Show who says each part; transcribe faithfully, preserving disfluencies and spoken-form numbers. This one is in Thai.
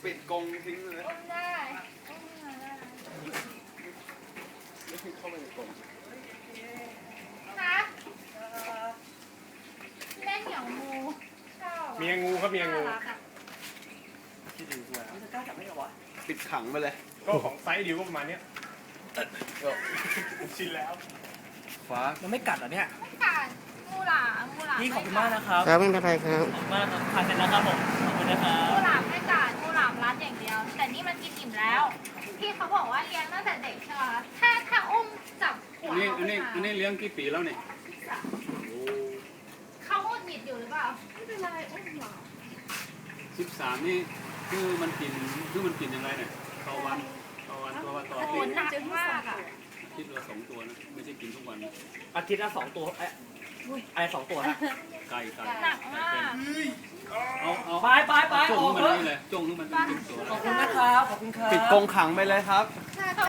Speaker 1: ปิดกรงทิ้งเลย
Speaker 2: อุ้มได้อุ้มมาได้
Speaker 1: ไม่ให้เข้าไปในกรง
Speaker 2: คะเล่นอย่างงูชอบ
Speaker 3: เมียงูครับเมียงู
Speaker 2: น่ารักอะ
Speaker 1: ที่ดูด้วย
Speaker 4: มันจะกล้าจับไม่เหรอวะ
Speaker 1: ปิดขังไปเลย
Speaker 3: ก็ของไซส์ดิวก็ประมาณเนี้ยผมชินแล้ว
Speaker 1: ฟ้า
Speaker 4: มันไม่กัดเหรอเนี่ย
Speaker 2: ไม่กัดงูหลามงูหลาม
Speaker 4: พี่ขอบคุณมากนะครับ
Speaker 5: ครับไม่เป็นไรครับ
Speaker 4: ขอบคุณมากครับทานเสร็จแล้วครับผมขอบคุณนะครั
Speaker 2: งู
Speaker 4: บ
Speaker 2: หลามไม่กัดงูหลามรัดอย่างเดียว แต่นี่มันกินอิ่มแล้ว พี่เขาบอกว่าเลี้ยงตั้งแต่เด็กใช่ไหมคะถ้าถ้าอุ้มจับหัว
Speaker 1: อันนี้
Speaker 2: เขา
Speaker 1: อันนี้
Speaker 2: ขึ้น
Speaker 1: อัน
Speaker 2: มา
Speaker 1: นี้เลี้ยงกี่ปีแล้วเนี่ย
Speaker 2: เขาหงุดหงิดอยู่หรือเปล่าไม่เป็นไรอุ้มหรอ
Speaker 1: สิบสามนี่คือมันกินคือมันกินยังไงเนี่ยต่อวันต่อวันต่อวันต่อ
Speaker 2: โอ้
Speaker 1: อา
Speaker 2: โห
Speaker 1: ทิตย์
Speaker 2: หนักมากอ่ะ
Speaker 1: คิดละสองตัวนะไม่ใช่กินทุกวัน
Speaker 4: อาทิตย์ละสองตัวเอ๊ะอะไรสองตัวนะ
Speaker 1: ไก่ไก่
Speaker 2: หนักมาก
Speaker 1: เอาเอา
Speaker 4: ไปไปไป
Speaker 1: จ้
Speaker 4: อ
Speaker 1: อง
Speaker 4: อก
Speaker 1: ให้มัน
Speaker 4: เถอะ
Speaker 1: นี่เลยจ้องให้มันเป็นตัว
Speaker 4: ขอบคุณนะครับขอบคุณครับ
Speaker 1: ปิดกรงขังไปเลยครับ
Speaker 2: ใช่